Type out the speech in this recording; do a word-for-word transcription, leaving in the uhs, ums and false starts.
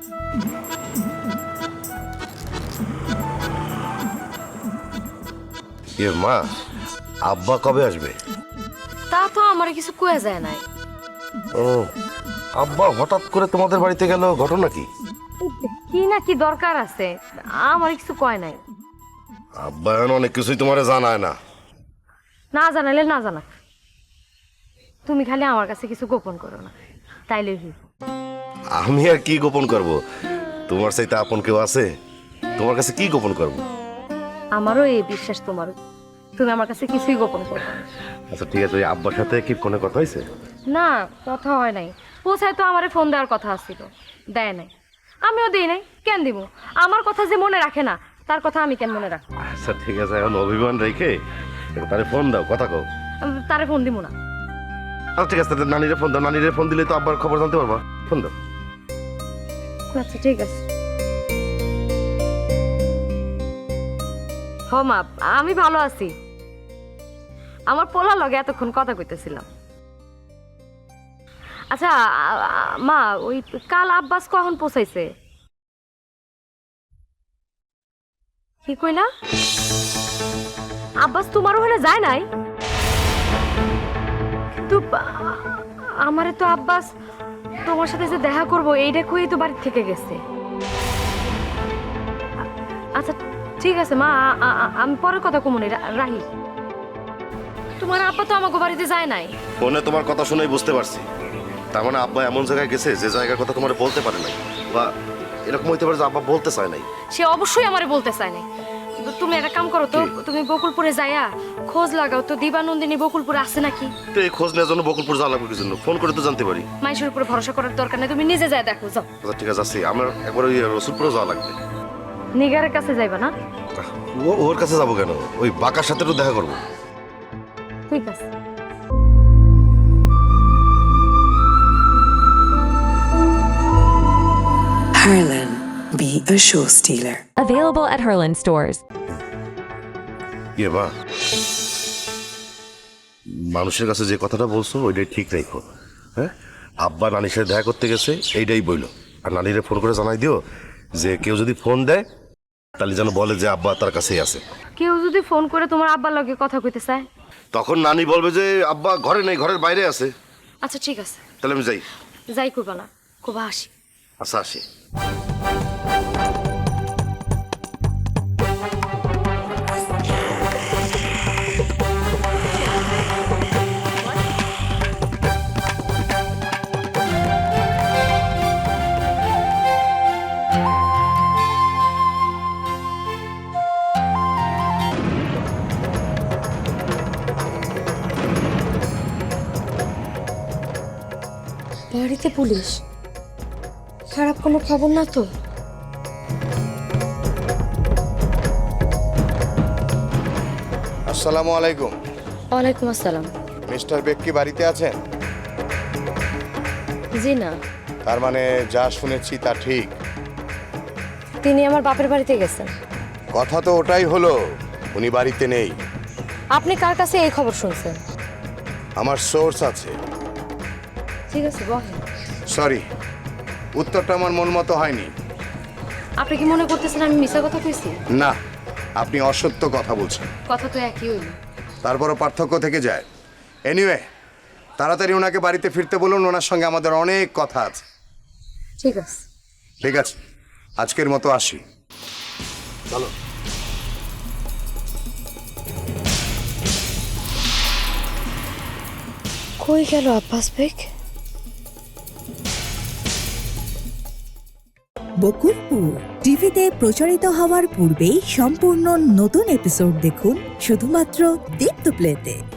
এ মা, আব্বা কবে আসবে? তা তো আমার কিছু কয়ে যায় নাই। ও, আব্বা হঠাৎ করে তোমাদের বাড়িতে গেল, ঘটনা কি? কি না কি দরকার আছে, আমার কিছু কয় নাই। আব্বা এখন অনেক কিছুই তোমারে জানায় না। না জানালে না জানাক, তুমি খালি আমার কাছে কিছু গোপন করো না, তাইলে কি? আমি আর কি গোপন করব? তোমার চাইতে আপন কেউ আছে? তোমার কাছে কি গোপন করব? আমারও এই বিশ্বাস তোমারও, তুমি আমার কাছে কিছুই গোপন করো না। আচ্ছা ঠিক আছে, ওই আব্বার সাথে কি ফোনে কথা হয়েছে? না, কথা হয় নাই। পৌঁছায় তো আমারে ফোন দেওয়ার কথা ছিল, দেয় নাই। আমিও দিই নাই, কেন দিব? আমার কথা যে মনে রাখে না, তার কথা আমি কেন মনে রাখবো? আচ্ছা ঠিক আছে, এখন অভিমান রেখে তারে ফোন দাও, কথা কও। তারে ফোন দিব না। আচ্ছা ঠিক আছে, তাহলে নানিরে ফোন দাও। নানিরে ফোন দিলে তো আব্বার খবর জানতে পারবা। ফোন দাও। আচ্ছা ঠিক আছে। হ মা, আমি ভালো আছি। আমার পোলা লগে এতক্ষণ কথা কইতেছিলাম। আচ্ছা আ- আ- মা, ওই কাল আব্বাস কখন পৌঁছাইছে? কি কইলা? আব্বাস তোমার ওখানে যায় নাই? কিন্তু আ- আমারে তো আব্বাস তোমার সাথে যে দেখা করব এইটা কই তো বাড়ি থেকে গেছে। আ- আচ্ছা ঠিক আছে মা, আ- আ- আ- আমি পরের কথা কমুনি, রাহি। তোমার আব্বা তো আমাকে বাড়িতে যায় নাই। ফোনে তোমার কথা শুনেই বুঝতে পারছি, তার মানে আব্বা এমন জায়গায় গেছে যে জায়গার কথা তোমার বলতে পারে নাই, বা এরকম হইতে পারে যে আব্বা বলতে চায় নাই। সে অবশ্যই আমারে বলতে চায় নাই। কিন্তু তুমি একটা কাম করো তো, তুমি বকুলপুরে যাইয়া খোঁজ লাগাও তো, দিবানন্দিনী বকুলপুরে আছে নাকি। তো এই খোঁজ নেওয়ার জন্য বকুলপুর যাওয়া লাগবে কি জন্য? ফোন করে তো জানতে পারি। মাইশের উপরে ভরসা করার দরকার নেই, তুমি নিজে যাই দেখো, যাও। আচ্ছা ঠিক আছে, আসি। আমার একবার ওই রসুলপুরে যাওয়া লাগবে। নিগারের কাছে যাইবা না? ও ওর কাছে যাবো কেন? ওই বাঁকার সাথে তো দেখা করবো। ঠিক আছে। Harlan, be a show stealer. Available at Herland stores. ইয়ে মা, মানুষের কাছে যে কথাটা বলছো ওইটাই ঠিক রাখো। হ্যাঁ, আব্বা নানির সাথে দেখা করতে গেছে এইটাই বইলো। আর নানিরে ফোন করে জানাই দিও যে কেউ যদি ফোন দেয় তাহলে যেন বলে যে আব্বা তার কাছেই আছে। কেউ যদি ফোন করে তোমার আব্বার লগে কথা কইতে চায়, তখন নানি বলবে যে আব্বা ঘরে নেই, ঘরের বাইরে আছে। আচ্ছা ঠিক আছে, তাহলে আমি যাই। যাই কইবা না, খুব হাসি। আচ্ছা আসি। বাড়িতে পুলিশ, খারাপ কোনো খবর না তো? আসসালামু আলাইকুম। ওয়ালাইকুম আসসালাম। মিস্টার বেক কি বাড়িতে আছেন? জি না, তার মানে যা শুনেছি তা ঠিক। তিনি আমার বাপের বাড়িতে গেছেন। কথা তো ওটাই হলো, উনি বাড়িতে নেই। আপনি কার কাছে এই খবর শুনছেন? আমার সোর্স আছে। ঠিক আছে বলেন। সরি, উত্তরটা আমার মন মতো হয়নি। আপনি কি মনে করতেছেন আমি মিছা কথা কইছি? না, আপনি অসত্য কথা বলছেন। কথা তো একই হইল। তারপরও পার্থক্য থেকে যায়। এনিওয়ে, তাড়াতাড়ি ওনাকে বাড়িতে ফিরতে বলুন, ওনার সঙ্গে আমাদের অনেক কথা আছে। ঠিক আছে। ঠিক আছে, আজকের মতো আসি। চলো। কই গেল আব্বাস বেগ? বকুলপুর টিভিতে প্রচারিত হওয়ার পূর্বেই সম্পূর্ণ নতুন এপিসোড দেখুন শুধুমাত্র দীপ্ত প্লেতে।